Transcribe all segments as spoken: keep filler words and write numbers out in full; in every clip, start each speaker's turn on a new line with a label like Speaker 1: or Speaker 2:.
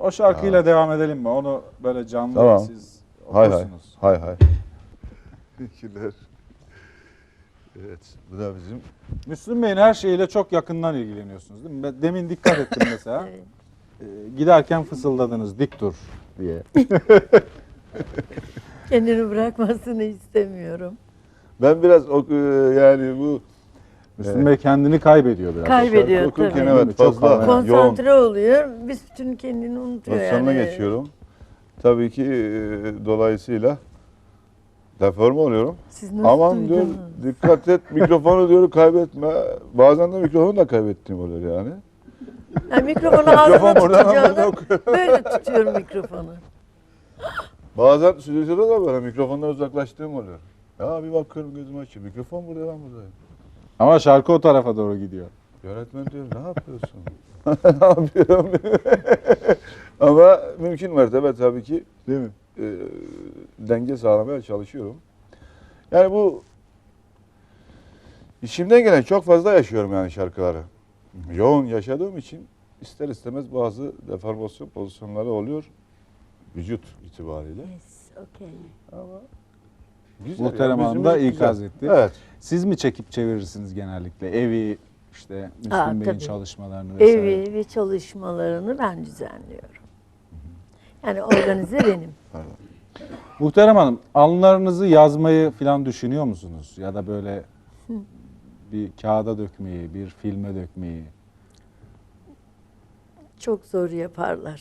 Speaker 1: O şarkıyla
Speaker 2: Ya.
Speaker 1: devam edelim mi? Onu böyle canlı
Speaker 2: Tamam.
Speaker 1: siz
Speaker 2: Hay hay.
Speaker 1: okursunuz.
Speaker 2: Hay hay. Teşekkürler. Evet, bu da bizim
Speaker 1: Müslüm Bey'in her şeyiyle çok yakından ilgileniyorsunuz değil mi? Ben demin dikkat ettim mesela.
Speaker 3: Evet.
Speaker 1: Ee, giderken fısıldadınız dik dur diye.
Speaker 3: Kendini bırakmasını istemiyorum.
Speaker 2: ben biraz ok- yani bu
Speaker 1: Müslüm
Speaker 2: Evet.
Speaker 1: Bey kendini kaybediyor biraz.
Speaker 3: Kaybediyor
Speaker 2: şarkı okurken
Speaker 3: tabii.
Speaker 2: evet
Speaker 1: Çok
Speaker 2: fazla
Speaker 1: havalı.
Speaker 2: yoğun
Speaker 3: Konsantre oluyor. Bir bütün kendini unutuyor
Speaker 2: pozisyonuna
Speaker 3: yani.
Speaker 2: geçiyorum. Tabii ki e, dolayısıyla deforme oluyorum.
Speaker 3: Siz nasıl
Speaker 2: Aman diyor
Speaker 3: duydunuz?
Speaker 2: dikkat et mikrofonu diyor kaybetme. Bazen de mikrofonu da kaybettiğim oluyor yani.
Speaker 3: Yani mikrofonu ağzına
Speaker 2: Mikrofon buradan
Speaker 3: tutacağını
Speaker 2: buradan
Speaker 3: böyle tutuyorum mikrofonu.
Speaker 2: Bazen stüdyoda da böyle mikrofondan uzaklaştığım oluyor. Ya bir bakıyorum gözüm açıyor. Mikrofon burada ben buradayım.
Speaker 1: Ama şarkı o tarafa doğru gidiyor.
Speaker 2: Yönetmen diyor ne yapıyorsun? ne yapıyorum? Ama mümkün mertebe tabii ki
Speaker 1: Değil mi?
Speaker 2: e, denge sağlamaya çalışıyorum. Yani bu işimden gelen çok fazla yaşıyorum yani şarkıları. Yoğun yaşadığım için ister istemez bazı deformasyon pozisyonları oluyor vücut itibariyle.
Speaker 3: Yes, okay.
Speaker 2: Ama güzel
Speaker 1: Muhterem
Speaker 2: ya,
Speaker 1: Hanım da
Speaker 2: müziğimiz
Speaker 1: ikaz
Speaker 2: güzel.
Speaker 1: etti.
Speaker 2: Evet.
Speaker 1: Siz mi çekip çevirirsiniz genellikle evi, işte Müslüm
Speaker 3: Aa,
Speaker 1: Bey'in
Speaker 3: tabii.
Speaker 1: çalışmalarını vesaire?
Speaker 3: Evi ve çalışmalarını ben düzenliyorum. Yani organize benim.
Speaker 2: Pardon.
Speaker 1: Muhterem Hanım, anılarınızı yazmayı falan düşünüyor musunuz? Ya da böyle bir kağıda dökmeyi, bir filme dökmeyi.
Speaker 3: Çok zor yaparlar.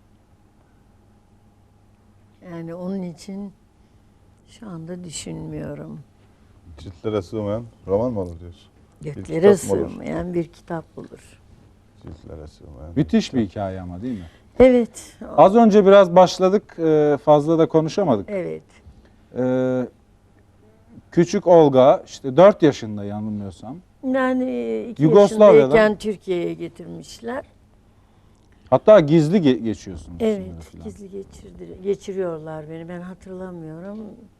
Speaker 3: Yani onun için şu anda düşünmüyorum.
Speaker 2: Ciltlere sığmayan roman mı olur diyorsun?
Speaker 3: Göklere
Speaker 2: kitap mı olur?
Speaker 3: sığmayan bir kitap olur.
Speaker 2: Ciltlere sığmayan.
Speaker 1: Müthiş bir hikaye ama değil mi?
Speaker 3: Evet.
Speaker 1: Az önce biraz başladık, e, fazla da konuşamadık.
Speaker 3: Evet.
Speaker 1: E, Küçük Olga, işte dört yaşında yanılmıyorsam.
Speaker 3: Yani iki
Speaker 1: Yugoslavya'dan-
Speaker 3: yaşındayken Türkiye'ye getirmişler.
Speaker 1: Hatta gizli ge- geçiyorsunuz.
Speaker 3: Evet,
Speaker 1: sınırı falan.
Speaker 3: gizli geçirdi, geçiriyorlar beni. Ben hatırlamıyorum.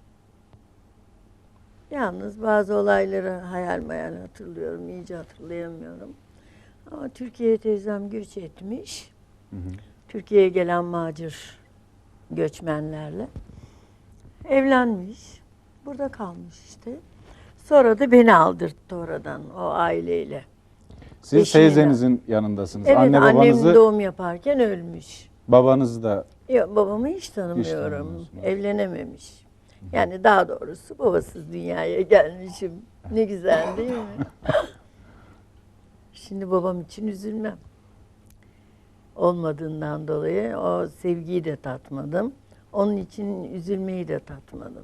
Speaker 3: Yalnız bazı olayları hayal meyal hatırlıyorum, iyice hatırlayamıyorum. Ama Türkiye'ye teyzem göç etmiş.
Speaker 1: Hı hı.
Speaker 3: Türkiye'ye gelen macir göçmenlerle. Evlenmiş. Burada kalmış işte. Sonra da beni aldırttı oradan o aileyle.
Speaker 1: Siz
Speaker 3: Eşiyle.
Speaker 1: teyzenizin yanındasınız.
Speaker 3: Evet,
Speaker 1: Anne
Speaker 3: annem
Speaker 1: babanızı,
Speaker 3: doğum yaparken ölmüş.
Speaker 1: babanızı da
Speaker 3: Yok, babamı hiç tanımıyorum.
Speaker 1: tanımıyorsunuz.
Speaker 3: Evlenememiş. Yani daha doğrusu babasız dünyaya gelmişim. Ne güzel değil mi? Şimdi babam için üzülmem. Olmadığından dolayı o sevgiyi de tatmadım. Onun için üzülmeyi de tatmadım.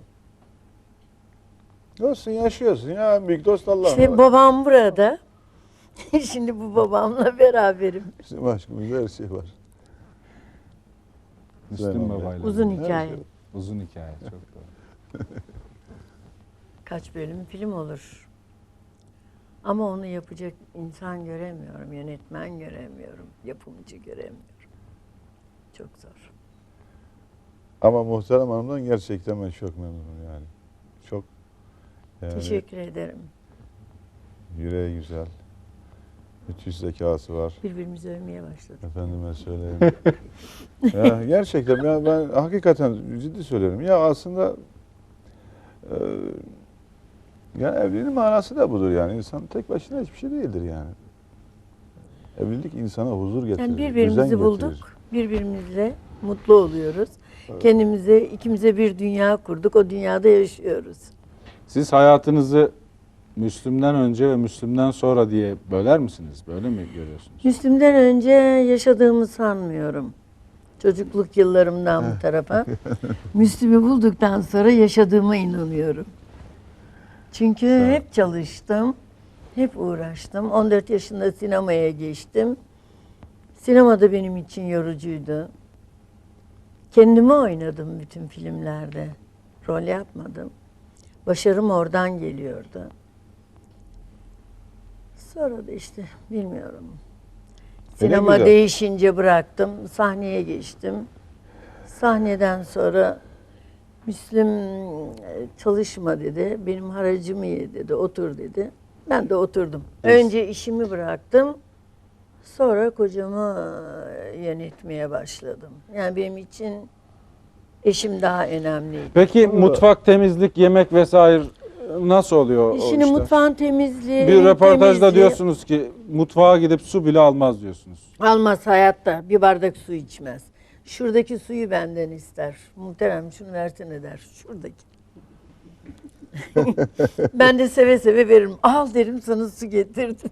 Speaker 2: Olsun yaşıyorsun ya en büyük dost Allah'ım.
Speaker 3: İşte babam burada. Şimdi bu babamla beraberim.
Speaker 2: Bizim aşkımızda her şey var.
Speaker 1: Müslüm
Speaker 2: Güzel
Speaker 1: babayla.
Speaker 3: Uzun
Speaker 2: Her
Speaker 3: hikaye.
Speaker 2: şey.
Speaker 1: Uzun hikaye, çok doğru.
Speaker 3: Kaç bölüm film olur. Ama onu yapacak insan göremiyorum, yönetmen göremiyorum, yapımcı göremiyorum. Çok zor.
Speaker 2: Ama Muhterem Hanım'dan gerçekten ben çok memnunum yani. Çok yani
Speaker 3: Teşekkür ederim.
Speaker 2: yüreği güzel. Müthiş zekası var.
Speaker 3: Birbirimizi övmeye başladık.
Speaker 2: Efendime söyleyeyim. ya gerçekten ya ben hakikaten ciddi söylüyorum. Ya aslında e, yani evliliğin manası da budur yani. İnsan tek başına hiçbir şey değildir yani. Evlilik insana huzur getirir.
Speaker 3: Yani
Speaker 2: düzen
Speaker 3: birbirimizi
Speaker 2: getirir.
Speaker 3: bulduk, birbirimizle mutlu oluyoruz. Kendimize, ikimize bir dünya kurduk, o dünyada yaşıyoruz.
Speaker 1: Siz hayatınızı Müslüm'den önce ve Müslüm'den sonra diye böler misiniz? Böyle mi görüyorsunuz?
Speaker 3: Müslüm'den önce yaşadığımı sanmıyorum. Çocukluk yıllarımdan bu tarafa. Müslüm'ü bulduktan sonra yaşadığıma inanıyorum. Çünkü
Speaker 2: Sağ ol.
Speaker 3: hep çalıştım, hep uğraştım. on dört yaşında sinemaya geçtim. Sinema da benim için yorucuydu. Kendimi oynadım bütün filmlerde. Rol yapmadım. Başarım oradan geliyordu. Sonra da işte bilmiyorum. Sinema
Speaker 2: güzel.
Speaker 3: değişince bıraktım, sahneye geçtim. Sahneden sonra Müslüm e, çalışma dedi, benim haracımı ye dedi, otur dedi. Ben de oturdum.
Speaker 2: Evet.
Speaker 3: Önce işimi bıraktım, Sonra kocamı yönetmeye başladım. Yani benim için eşim daha önemliydi.
Speaker 1: Peki mutfak, temizlik, yemek vesaire nasıl oluyor o
Speaker 3: Şimdi
Speaker 1: işler?
Speaker 3: mutfağın temizliği,
Speaker 1: Bir
Speaker 3: evin
Speaker 1: röportajda
Speaker 3: temizliği
Speaker 1: diyorsunuz ki mutfağa gidip su bile almaz diyorsunuz.
Speaker 3: almaz hayatta. Bir bardak su içmez. Şuradaki suyu benden ister. Muhterem şunu versene der. Şuradaki. Ben de seve seve veririm. Al derim sana su getirdim.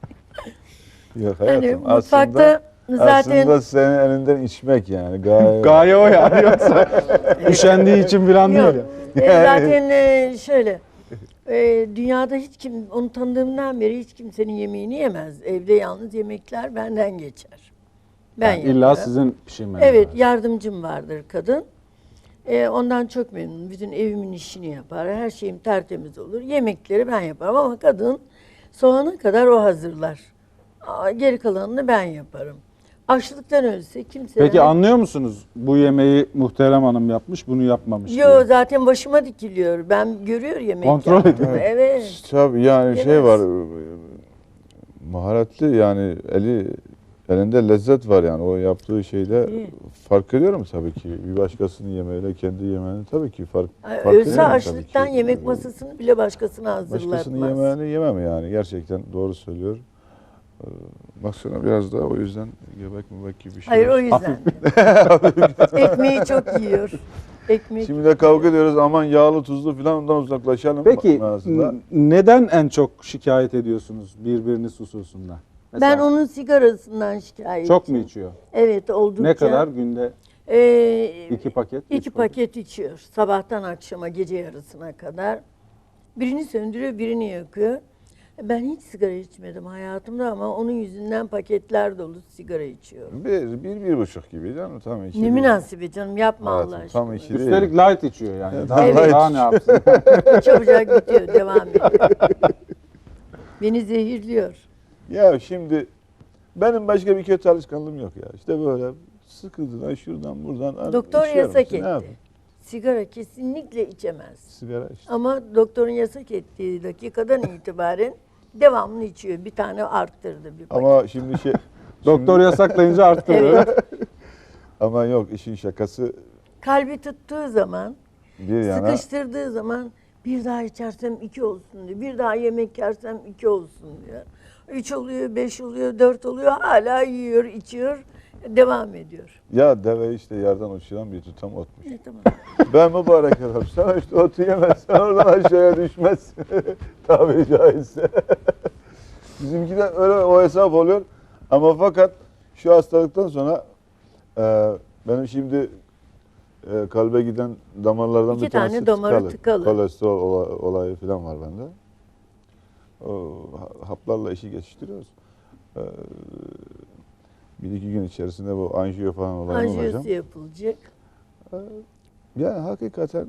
Speaker 2: Yok
Speaker 3: Hani
Speaker 2: hayatım.
Speaker 3: mutfakta
Speaker 2: aslında,
Speaker 3: zaten
Speaker 2: aslında senin elinden içmek yani. Gaye.
Speaker 1: Gaye o yani yoksa üşendiği için falan değil
Speaker 3: yok.
Speaker 1: ya.
Speaker 3: E, zaten e, şöyle e, dünyada hiç kim onu tanıdığımdan beri hiç kimsenin yemeğini yemez. Evde yalnız yemekler benden geçer. Ben
Speaker 1: Yani illa
Speaker 3: yaparım.
Speaker 1: sizin pişirmeniz
Speaker 3: Evet,
Speaker 1: lazım.
Speaker 3: yardımcım vardır kadın. Ee, ondan çok memnunum. Bütün evimin işini yapar. Her şeyim tertemiz olur. Yemekleri ben yaparım ama kadın soğana kadar o hazırlar. Aa, geri kalanını ben yaparım. Açlıktan ölse kimse...
Speaker 1: Peki anlıyor musunuz bu yemeği Muhterem Hanım yapmış, bunu yapmamış diye?
Speaker 3: Yo zaten başıma dikiliyor. Ben görüyor yemek
Speaker 1: Kontrol
Speaker 3: yaptığımı.
Speaker 1: ediyor.
Speaker 3: Evet.
Speaker 2: Tabii yani şey
Speaker 3: Yemez.
Speaker 2: var. Maharetli yani eli elinde lezzet var yani o yaptığı şeyde
Speaker 3: İyi.
Speaker 2: fark ediyorum tabii ki. Bir başkasının yemeğiyle kendi yemeğini tabii ki fark
Speaker 3: Ay,
Speaker 2: fark
Speaker 3: Ölse
Speaker 2: ediyorum tabii
Speaker 3: açlıktan
Speaker 2: ki.
Speaker 3: yemek masasını bile başkasına hazırlatmaz.
Speaker 2: Başkasının yemeğini yemem yani gerçekten doğru söylüyor. Ee, Baksana biraz da o yüzden göbek mübek gibi bir şey.
Speaker 3: Hayır
Speaker 2: var.
Speaker 3: o yüzden. Ekmeği çok yiyor. Ekmek.
Speaker 2: Şimdi de kavga ediyoruz aman yağlı tuzlu falan ondan uzaklaşalım.
Speaker 1: Peki
Speaker 2: manasında.
Speaker 1: n- neden en çok şikayet ediyorsunuz birbiriniz hususunda? Mesela
Speaker 3: Ben onun sigarasından şikayetçiyim.
Speaker 1: çok mu içiyor?
Speaker 3: Evet oldukça.
Speaker 1: Ne kadar günde?
Speaker 3: Ee,
Speaker 1: İki paket,
Speaker 3: İki
Speaker 1: üç paket.
Speaker 3: paket içiyor. Sabahtan akşama gece yarısına kadar. Birini söndürüyor, birini yakıyor. Ben hiç sigara içmedim hayatımda ama onun yüzünden paketler dolu sigara içiyorum.
Speaker 2: Bir, bir, bir buçuk gibi canım tam iki.
Speaker 3: Ne
Speaker 2: değil.
Speaker 3: münasebet canım yapma
Speaker 2: Hayatım,
Speaker 3: Allah
Speaker 2: tam
Speaker 3: aşkına.
Speaker 2: iki değil.
Speaker 1: Üstelik light içiyor yani.
Speaker 2: Evet.
Speaker 1: Daha,
Speaker 3: Evet.
Speaker 1: daha ne yapsın?
Speaker 3: Çabucak bitiyor, devam ediyor. Beni zehirliyor.
Speaker 2: Ya şimdi benim başka bir kötü alışkanlığım yok ya. İşte böyle sıkıntıdan şuradan buradan.
Speaker 3: Doktor
Speaker 2: içiyorum
Speaker 3: yasak
Speaker 2: işte, ne
Speaker 3: etti.
Speaker 2: yapayım?
Speaker 3: Sigara kesinlikle içemez.
Speaker 2: Sigara işte.
Speaker 3: Ama doktorun yasak ettiği dakikadan itibaren devamlı içiyor. Bir tane arttırdı bir paket.
Speaker 2: Ama şimdi şey...
Speaker 1: Doktor yasaklayınca arttırıyor.
Speaker 3: Evet.
Speaker 2: Ama yok işin şakası
Speaker 3: Kalbi tuttuğu zaman,
Speaker 2: bir yana.
Speaker 3: sıkıştırdığı zaman bir daha içersem iki olsun diyor. Bir daha yemek yersem iki olsun diyor. Üç oluyor, beş oluyor, dört oluyor. Hala yiyor, içiyor, devam ediyor.
Speaker 2: Ya deve işte yerden uçuran bir tutam otmuş.
Speaker 3: Ne tamam.
Speaker 2: Ben mübarek adam. Sen işte otu yemezsen oradan aşağıya düşmezsin. Tabiri caizse. Bizimki de öyle o hesap oluyor. Ama fakat şu hastalıktan sonra e, benim şimdi e, kalbe giden damarlardan
Speaker 3: İki
Speaker 2: bir tanesi
Speaker 3: tane damarı tıkalı.
Speaker 2: Kolesterol ola- olayı falan var bende. O ha- haplarla işi geçiştiriyoruz. E, bir iki gün içerisinde bu anjiyo falan olayını olacağım.
Speaker 3: Anjiyosu yapılacak.
Speaker 2: Yani hakikaten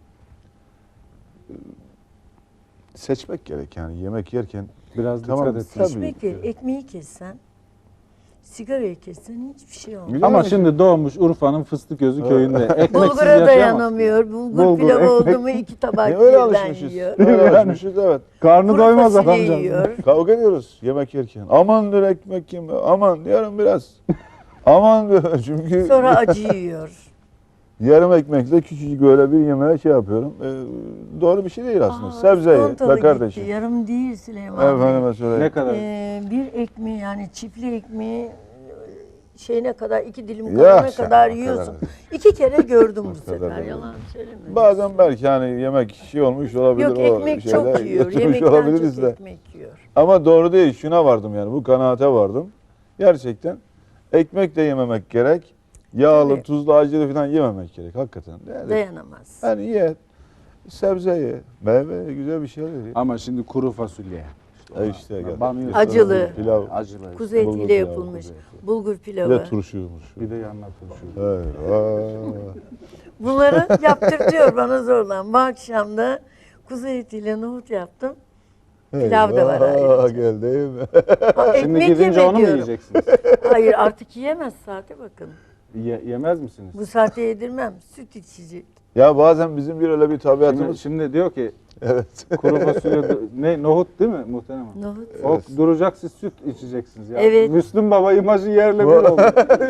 Speaker 2: e, seçmek gerek yani yemek yerken.
Speaker 1: Biraz
Speaker 2: Tamam,
Speaker 1: dikkat etsin.
Speaker 2: tabii.
Speaker 3: Ekmek ye, ekmeği kessen, sigarayı kessen hiçbir şey olmaz.
Speaker 2: Biliyor
Speaker 1: Ama
Speaker 2: musun?
Speaker 1: şimdi doğmuş Urfa'nın Fıstıközü köyünde. Ekmeksiz
Speaker 3: Bulgura
Speaker 1: yaşayamaz.
Speaker 3: dayanamıyor. Bulgur,
Speaker 1: Bulgur,
Speaker 3: pilavı oldu
Speaker 1: ekmek.
Speaker 3: mu iki tabak
Speaker 2: Ne öyle
Speaker 3: birden
Speaker 2: alışmışız.
Speaker 3: yiyor.
Speaker 2: Öyle
Speaker 1: Yani.
Speaker 2: alışmışız evet.
Speaker 1: Karnı
Speaker 3: Kuru
Speaker 1: doymaz
Speaker 3: fasulye
Speaker 1: adamcağız.
Speaker 3: yiyor.
Speaker 2: Kavga ediyoruz yemek yerken. Aman diyor ekmek yeme. Aman diyorum biraz. Aman diyor çünkü
Speaker 3: Sonra acı yiyor.
Speaker 2: yarım ekmekle küçücük böyle bir yemeğe şey yapıyorum. Ee, doğru bir şey değil aslında.
Speaker 3: Aa,
Speaker 2: Sebze ye
Speaker 3: skontalı
Speaker 2: be kardeşim.
Speaker 3: gitti. Yarım değil Süleyman Bey.
Speaker 2: Efendime söyleyeyim.
Speaker 1: Ne kadar?
Speaker 3: Ee, bir ekmeği yani çiftli ekmeği şeyine kadar iki dilim
Speaker 2: Ya
Speaker 3: kalana
Speaker 2: sen
Speaker 3: kadar
Speaker 2: o
Speaker 3: yiyorsun.
Speaker 2: kadar.
Speaker 3: İki kere gördüm bu
Speaker 2: kadar
Speaker 3: sefer.
Speaker 2: değil.
Speaker 3: Yalan söyleme.
Speaker 2: Bazen belki hani yemek şey olmuş olabilir.
Speaker 3: Yok
Speaker 2: o
Speaker 3: ekmek çok
Speaker 2: şeyler
Speaker 3: yiyor.
Speaker 2: götürmüş
Speaker 3: Yemekten
Speaker 2: olabiliriz
Speaker 3: çok
Speaker 2: de.
Speaker 3: ekmek yiyor.
Speaker 2: Ama doğru değil. Şuna vardım yani. Bu kanaate vardım. Gerçekten ekmek de yememek gerek. Yağlı,
Speaker 3: Tabii.
Speaker 2: tuzlu, acılı falan yememek gerek. Hakikaten. Yani,
Speaker 3: Dayanamaz.
Speaker 2: yani ye. Sebze ye. Meyve ye. Güzel bir şeyler ye.
Speaker 1: Ama şimdi kuru fasulye.
Speaker 2: E işte gel.
Speaker 1: Banıyorsun.
Speaker 3: Acılı.
Speaker 2: Pilav.
Speaker 1: Acılı.
Speaker 3: Kuzu
Speaker 2: Bulgur
Speaker 3: etiyle
Speaker 2: pilavı,
Speaker 3: yapılmış.
Speaker 1: kuzu eti.
Speaker 3: Bulgur
Speaker 2: Bir
Speaker 3: pilavı.
Speaker 2: de turşuymuş.
Speaker 1: Bir de yanına turşu.
Speaker 2: Eyvah.
Speaker 3: Bunları yaptırtıyor bana zorla. Bu akşam da kuzu etiyle nohut yaptım. Pilav da var
Speaker 2: Eyvah,
Speaker 3: ayrıca.
Speaker 2: gel değil mi?
Speaker 3: Ha,
Speaker 1: Şimdi
Speaker 3: ekmek
Speaker 1: gidince
Speaker 3: yeme
Speaker 1: onu mu
Speaker 3: diyorum.
Speaker 1: yiyeceksiniz?
Speaker 3: Hayır artık yiyemez saate bakın.
Speaker 1: Ye- yemez misiniz?
Speaker 3: Bu saatte yedirmem. Süt içecek.
Speaker 2: Ya bazen bizim bir öyle bir
Speaker 1: Şimdi,
Speaker 2: tabiatımız.
Speaker 1: şimdi diyor ki
Speaker 2: Evet.
Speaker 1: kuru fasulye ne nohut değil mi muhterem hanım?
Speaker 3: Nohut.
Speaker 1: O duracak, siz süt içeceksiniz ya.
Speaker 3: Evet.
Speaker 1: Müslüm Baba imajı yerle bir oldu.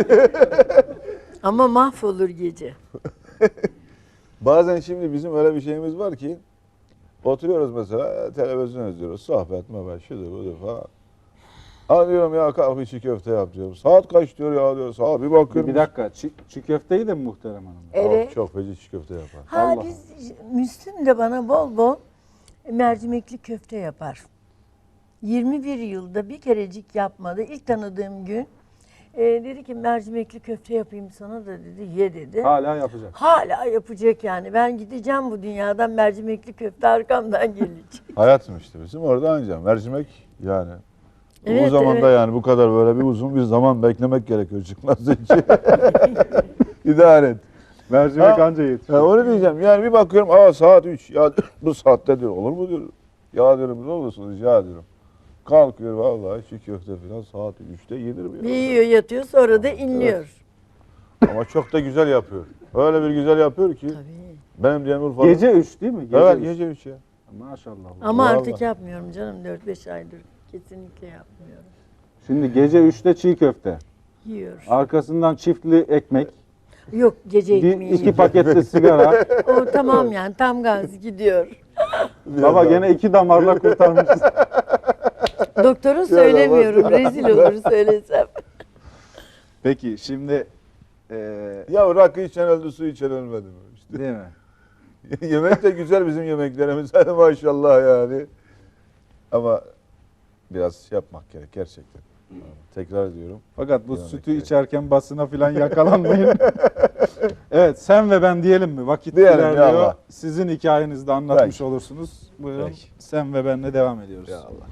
Speaker 3: Ama mahvolur gece.
Speaker 2: Bazen şimdi bizim öyle bir şeyimiz var ki oturuyoruz mesela televizyon izliyoruz. Sohbet, muhabbet, şudur budur falan. Ha diyorum ya kalk bir çiğ köfte yap diyorum. Saat kaç diyor ya diyor. Saat bir bakıyorum.
Speaker 1: Bir dakika, çiğ, çiğ köfteyi de mi muhterem hanım?
Speaker 3: Evet.
Speaker 2: Çok, çok feci çiğ köfte yapar.
Speaker 3: Ha
Speaker 1: Allah
Speaker 3: biz Müslüm de bana bol bol mercimekli köfte yapar. yirmi bir yılda bir kerecik yapmadı. İlk tanıdığım gün e, dedi ki mercimekli köfte yapayım sana da dedi. Ye dedi.
Speaker 1: Hala yapacak.
Speaker 3: Hala yapacak yani. Ben gideceğim bu dünyadan, mercimekli köfte arkamdan gelecek.
Speaker 2: Hayatım işte bizim orada anca mercimek yani. bu
Speaker 3: Evet,
Speaker 2: zamanda
Speaker 3: evet.
Speaker 2: yani bu kadar böyle bir uzun bir zaman beklemek gerekiyor çıkması için. İdare et.
Speaker 1: Mercimek
Speaker 2: Ha,
Speaker 1: anca yetişiyor.
Speaker 2: Ya onu diyeceğim. Yani bir bakıyorum aa saat üç. Ya bu saatte diyor olur mu diyor. Ya diyorum ne olursunuz ya diyorum. Kalkıyor vallahi çiğ köfte falan saat üçte yenir mi?
Speaker 3: Bir
Speaker 2: ya?
Speaker 3: yiyor yatıyor sonra da inliyor.
Speaker 2: Ama çok da güzel yapıyor. Öyle bir güzel yapıyor ki.
Speaker 3: Tabii.
Speaker 2: Benim diyen Urfa'da.
Speaker 1: Gece üç değil mi? Gece
Speaker 2: Evet
Speaker 1: üç.
Speaker 2: gece üç ya.
Speaker 1: Maşallah.
Speaker 3: Ama
Speaker 2: Vallahi.
Speaker 3: artık yapmıyorum canım. dört beş aydır kesinlikle yapmıyorum.
Speaker 1: Şimdi gece üçte çiğ köfte.
Speaker 3: Yiyor.
Speaker 1: Arkasından çiftli ekmek.
Speaker 3: Yok gece
Speaker 1: Bir,
Speaker 3: ekmeği.
Speaker 1: iki paketli sigara.
Speaker 3: O tamam yani tam gaz gidiyor.
Speaker 1: Baba gene iki damarla kurtarmışız.
Speaker 3: Doktoru söylemiyorum. Rezil olur söylesem.
Speaker 1: Peki şimdi eee
Speaker 2: Ya rakı içen öldü su içen ölmedi mi? İşte.
Speaker 1: değil mi?
Speaker 2: Yemek de güzel bizim yemeklerimiz. Hani maşallah yani. Ama biraz şey yapmak gerek gerçekten. Tekrar ediyorum.
Speaker 1: Fakat bu
Speaker 2: Yemek
Speaker 1: sütü
Speaker 2: gerek.
Speaker 1: içerken basına falan yakalanmayın. Evet, sen ve ben diyelim mi? Vakit
Speaker 2: Diyelim ya
Speaker 1: ilerliyor.
Speaker 2: Allah.
Speaker 1: Sizin hikayenizi de anlatmış
Speaker 2: Peki.
Speaker 1: olursunuz. Buyurun.
Speaker 2: Peki.
Speaker 1: Sen ve benle devam ediyoruz.
Speaker 2: Ya Allah.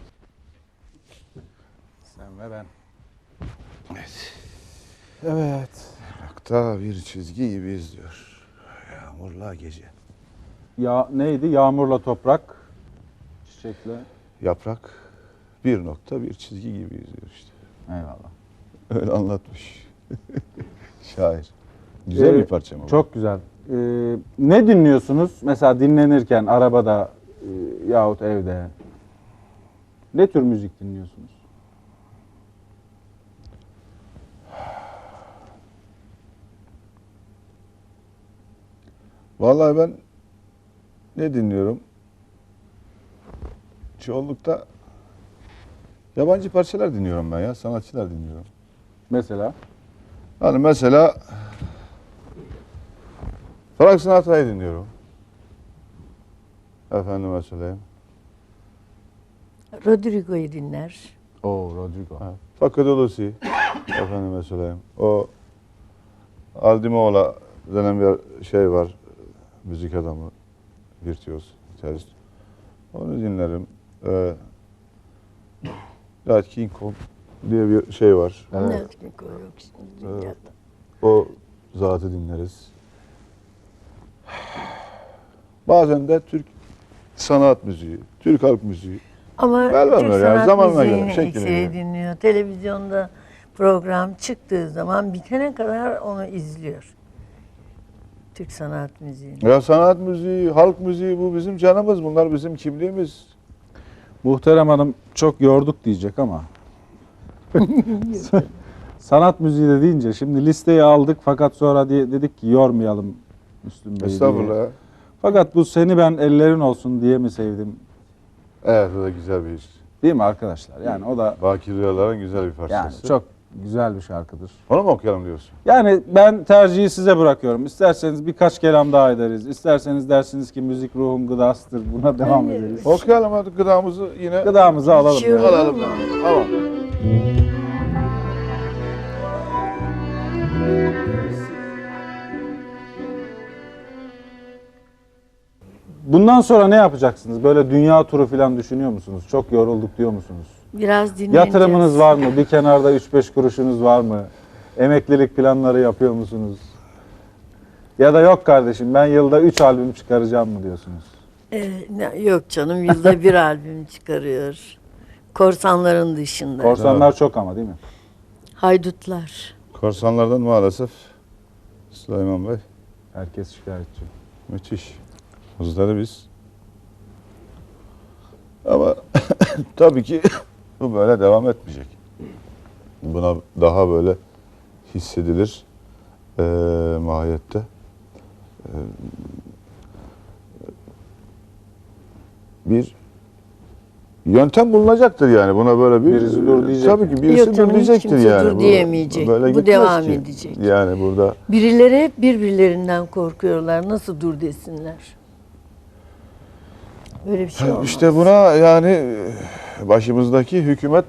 Speaker 1: Sen ve ben.
Speaker 2: Evet. Irak'ta bir çizgi gibi izliyor. Yağmurla gece.
Speaker 1: Ya neydi? Yağmurla toprak, çiçekle.
Speaker 2: Yaprak bir nokta bir çizgi gibi izliyor işte.
Speaker 1: Eyvallah.
Speaker 2: Öyle anlatmış. Şair. Güzel
Speaker 1: Ee,
Speaker 2: bir parça mı? bu?
Speaker 1: Çok güzel. Ee, ne dinliyorsunuz? Mesela dinlenirken, arabada e, yahut evde. Ne tür müzik dinliyorsunuz?
Speaker 2: Vallahi ben ne dinliyorum? Çoğunlukta yabancı parçalar dinliyorum ben ya. Sanatçılar dinliyorum.
Speaker 1: Mesela?
Speaker 2: Hani mesela Frank Sinatra'yı dinliyorum. Efendime söyleyeyim.
Speaker 3: Rodrigo'yu dinler.
Speaker 1: O Rodrigo.
Speaker 2: Ha, Paco de Lucy. Efendime söyleyeyim. O Aldimola denen bir şey var. Müzik adamı. Virtüöz. Gitarist. Onu dinlerim. Ee, Nat King Cole diye bir şey var.
Speaker 1: Evet.
Speaker 3: Ne etkinlik o yok şimdi
Speaker 2: Evet.
Speaker 3: dünyada.
Speaker 2: O zatı dinleriz. Bazen de Türk sanat müziği, Türk halk müziği.
Speaker 3: Ama
Speaker 2: Ver
Speaker 3: Türk
Speaker 2: vermiyor yani,
Speaker 3: sanat
Speaker 2: zamanla göre,
Speaker 3: müziğini
Speaker 2: şekline
Speaker 3: ekseri
Speaker 2: göre.
Speaker 3: dinliyor. Televizyonda program çıktığı zaman bitene kadar onu izliyor. Türk sanat müziğini.
Speaker 2: Ya sanat müziği, halk müziği bu bizim canımız. Bunlar bizim kimliğimiz.
Speaker 1: Muhterem Hanım çok yorduk diyecek ama. Sanat müziği de deyince şimdi listeyi aldık fakat sonra diye dedik ki yormayalım Müslüm Bey'i diye.
Speaker 2: Estağfurullah.
Speaker 1: Fakat bu Seni Ben Ellerin Olsun diye mi sevdim?
Speaker 2: Evet, o da güzel bir iş.
Speaker 1: Değil mi arkadaşlar? Yani o da
Speaker 2: Baki Rüyalar'ın güzel bir
Speaker 1: yani
Speaker 2: parçası.
Speaker 1: çok güzel bir şarkıdır.
Speaker 2: Onu mu okuyalım diyorsun?
Speaker 1: Yani ben tercihi size bırakıyorum. İsterseniz birkaç kelam daha ederiz. İsterseniz dersiniz ki müzik ruhun gıdasıdır. Buna devam
Speaker 3: Hayır.
Speaker 1: ederiz.
Speaker 2: Okuyalım hadi gıdamızı yine.
Speaker 1: Gıdamızı alalım.
Speaker 3: İçiyorum.
Speaker 1: yani.
Speaker 2: Alalım. Tamam.
Speaker 1: Bundan sonra ne yapacaksınız? Böyle dünya turu falan düşünüyor musunuz? Çok yorulduk diyor musunuz?
Speaker 3: Biraz dinleneceğiz.
Speaker 1: Yatırımınız var mı? Bir kenarda üç beş kuruşunuz var mı? Emeklilik planları yapıyor musunuz? Ya da yok kardeşim ben yılda üç albüm çıkaracağım mı diyorsunuz?
Speaker 3: Ee, ne- yok canım yılda bir albüm çıkarıyor. Korsanların dışında.
Speaker 1: Korsanlar çok ama değil mi?
Speaker 3: Haydutlar.
Speaker 2: Korsanlardan maalesef Süleyman Bey,
Speaker 1: Herkes şikayetçi.
Speaker 2: müthiş. Hızları biz. Ama tabii ki bu böyle devam etmeyecek. Buna daha böyle hissedilir eee mahiyette. Eee, bir yöntem bulunacaktır yani buna böyle bir
Speaker 1: Birisi dur diyecek
Speaker 2: tabii
Speaker 1: yani.
Speaker 2: ki birisi
Speaker 3: Yok
Speaker 2: dur
Speaker 3: canım, hiç
Speaker 2: diyecektir
Speaker 3: kimse
Speaker 2: yani.
Speaker 3: dur
Speaker 2: Bu
Speaker 3: diyemeyecek.
Speaker 2: böyle
Speaker 3: Bu
Speaker 2: gitmez
Speaker 3: devam
Speaker 2: ki.
Speaker 3: edecek.
Speaker 2: Yani burada
Speaker 3: Birileri hep birbirlerinden korkuyorlar. Nasıl dur desinler? Böyle bir şey olmaz.
Speaker 2: İşte buna yani başımızdaki hükümet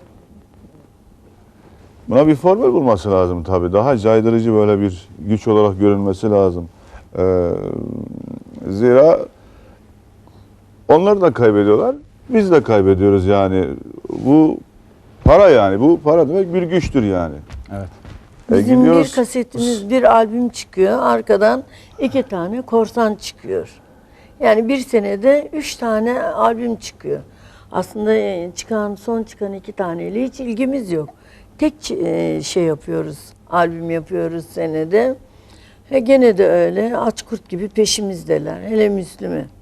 Speaker 2: buna bir formül bulması lazım tabii. Daha caydırıcı böyle bir güç olarak görünmesi lazım. Ee, zira onlar da kaybediyorlar, biz de kaybediyoruz yani. Bu para yani. Bu para demek bir güçtür yani.
Speaker 1: Evet.
Speaker 2: E,
Speaker 3: Bizim
Speaker 2: gidiyoruz.
Speaker 3: bir kasetimiz, bir albüm çıkıyor. Arkadan iki tane korsan çıkıyor. Yani bir senede üç tane albüm çıkıyor. Aslında e, çıkan, son çıkan iki taneyle hiç ilgimiz yok. Tek e, şey yapıyoruz, albüm yapıyoruz senede. Ve gene de öyle aç kurt gibi peşimizdeler. Hele Müslüm'ü.